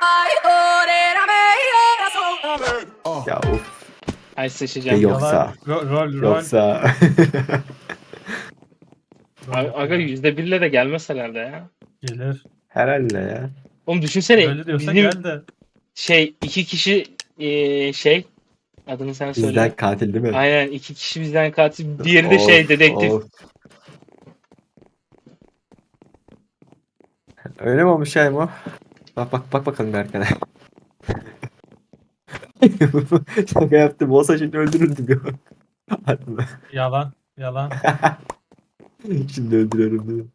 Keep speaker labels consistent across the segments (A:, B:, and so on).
A: Ya of.
B: Ay
A: Ya
B: sıçacağım.
A: yoksa.
C: Rol.
A: Yoksa.
B: Aga %1'le de gelmez herhalde ya.
C: Gelir.
A: Herhalde ya.
B: Oğlum düşünsene
C: Öyle diyorsa
B: bizim
C: gel de.
B: iki kişi adını sen
A: Bizden
B: söyle.
A: katil değil mi?
B: Aynen iki kişi bizden katil, diğeri de
A: Of
B: dedektif.
A: of. Öyle mi olmuş ya Emo? Bak bakalım bir arkana. Şaka yaptım. Olsa şimdi öldürürdüm ya. Hadi be.
C: Yalan.
A: Şimdi öldürüyorum dedim.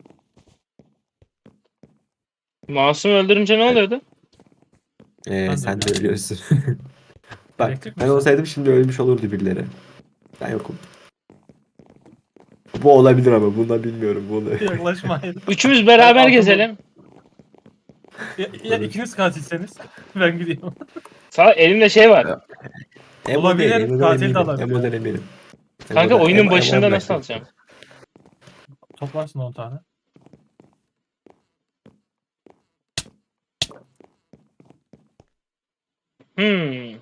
B: Masum öldürünce ne oluyordu?
C: Ben de
A: Sen de
C: öyle.
A: ölüyorsun. Bak
C: Elektrik
A: ben
C: misin?
A: olsaydım şimdi ölmüş olurdu birileri. Ben yokum. Bu olabilir ama bundan bilmiyorum. Bunu.
C: Yaklaşmayın.
B: Üçümüz beraber
C: Ben
B: gezelim.
C: Ya ikiniz katilseniz ben gidiyorum.
B: Sağ elimde şey var.
A: Emo değil.
C: Olabilir,
A: Emo'dan
C: katil de
A: eminim.
C: olabilir.
A: Emo'dan eminim.
B: Kanka oyunun
A: Emo'ya
B: başında nasıl
A: bıraktım.
B: alacağım?
C: Toplarsın 10 tane.
B: Hmm.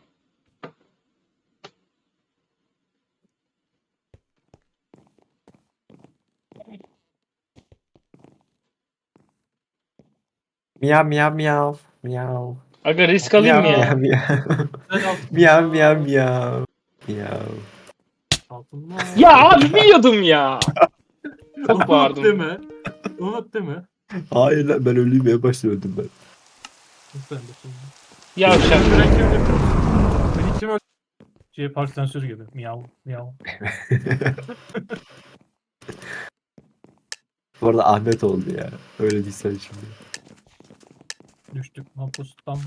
A: Miyav miyav miyav. Miyav.
B: Aga risk alayım
A: Miyav
B: mı
A: miyav
B: ya?
A: miyav.
C: Güzel al.
A: Miyav miyav miyav. Miyav.
C: Altınlar.
B: Ya abi biliyordum ya. Çok
C: Umut
B: bağırdım.
C: deme. Umut deme.
A: Hayır lan ben ölüyüm en başta öldüm ben.
C: Ben de şimdi.
B: Yavşak.
C: Öldüren kimdir? Beni kim öldürdü? Park sensörü gibi. Miyav.
A: Bu arada Ahmet oldu ya. Öyle değilsen şimdi.
C: Düştük mahpustan.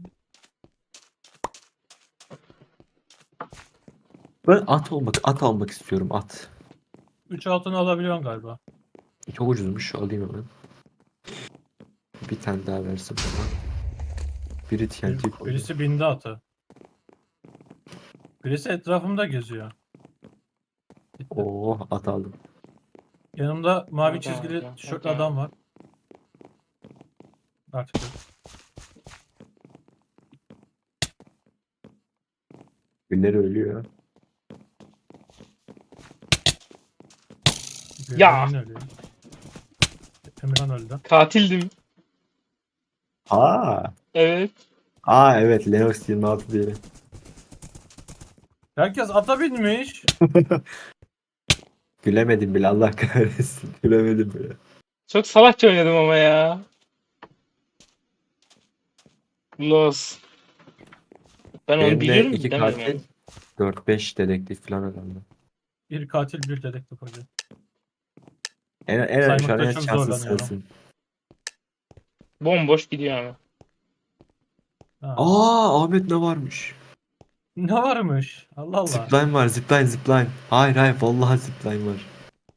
A: Ben at almak istiyorum at.
C: 3 altını alabiliyorsun galiba.
A: Çok ucuzmuş alayım hemen. Bir tane daha versin bana. Biri TNT koydu.
C: Birisi bindi atı. Birisi etrafımda geziyor. Gitti.
A: Oh at aldım.
C: Yanımda mavi
B: Adam,
C: çizgili
B: adam,
C: tişörtlü
B: adam.
C: adam var. Artık yok.
A: Birileri ölüyor.
B: Ya.
C: Emirhan ölüyor. Emirhan öldü.
B: Katildim.
A: Aa.
B: Evet.
A: Evet Lennox 26 diye.
C: Herkes ata binmiş.
A: Gülemedim bile Allah kahretsin. Gülemedim bile.
B: Çok salakça oynadım ama ya. Los. Ben onu
A: Benim de
B: biliyorum
A: 2
B: demedim
A: katil,
B: yani.
A: 4-5 dedektif falan adamdı.
C: Bir katil bir dedektif hoca.
A: Şu an
C: Saymakta
A: en
C: çok
A: şanssız
C: zorlanıyorum.
A: sensin.
B: Bomboş gidiyor ama.
C: Ha.
A: Ahmet ne varmış?
C: Ne varmış? Allah Allah.
A: Zipline var zipline. Hayır vallahi zipline var.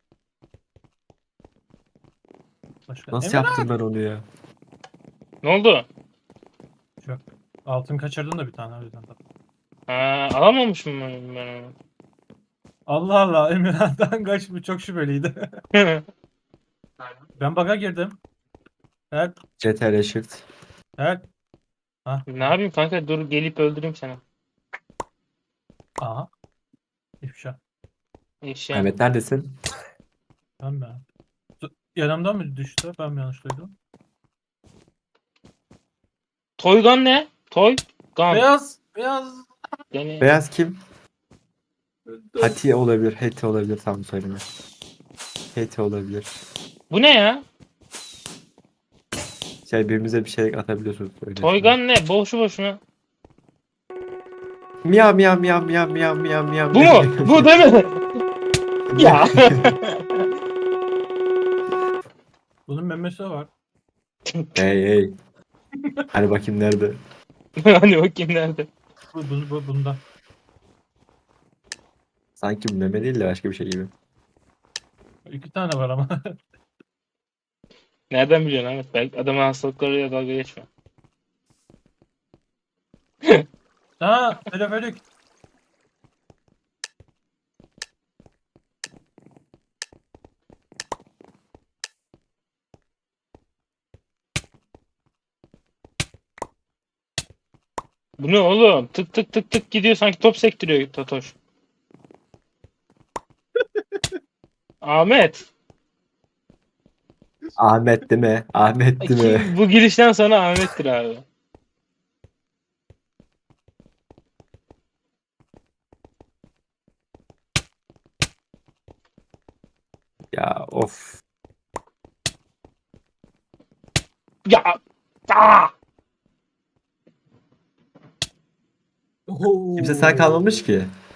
C: Başka.
A: Nasıl
C: Emirhan.
A: yaptım ben onu ya?
B: Ne oldu?
C: Çok. Altın kaçırdın da bir tane o yüzden.
B: Alamamışım ben onu.
C: Allah Allah. Emirhan'dan kaç bu çok şüpheliydi. Ben bug'a girdim. Evet.
A: CTRL Shift.
C: Evet. Ha.
B: Ne yapayım kanka, dur gelip öldüreyim seni.
C: Aha. İfşa.
B: İşte.
A: Ahmet neredesin?
C: Ben mi? Yanımdan mı düştü? Ben mi yanlış duydum?
B: Toygan ne? Toygan.
C: Beyaz.
B: Yani
A: Beyaz kim? Hati olabilir. Heti olabilir tam söyleme. Heti olabilir.
B: bu ne ya?
A: Birbirimize bir şey atabiliyorsunuz. Öyle
B: Toygan ne? Boşu boşuna.
A: Miyav miyav miyav miyav miyav miyav miyav
B: Bu mu? Bu değil mi? Ya.
C: Bunun memesi var.
A: Hey. Hani bakayım nerede?
B: Hani bakayım nerede?
C: Bunda.
A: Sanki bu meme değil de başka bir şey gibi.
C: 2 tane var ama.
B: Nereden biliyorsun Ahmet? Belki adamın hastalıklarıyla dalga geçme.
C: Ha, teleferik.
B: Bu ne oğlum? Tık tık tık tık gidiyor sanki top sektiriyor Totoş. Ahmet.
A: Ahmet değil mi? Ahmet değil mi?
B: Bu girişten sonra Ahmet'tir abi.
A: Ya of.
B: Ya. Aa!
A: Kimse sağ kalmamış ki.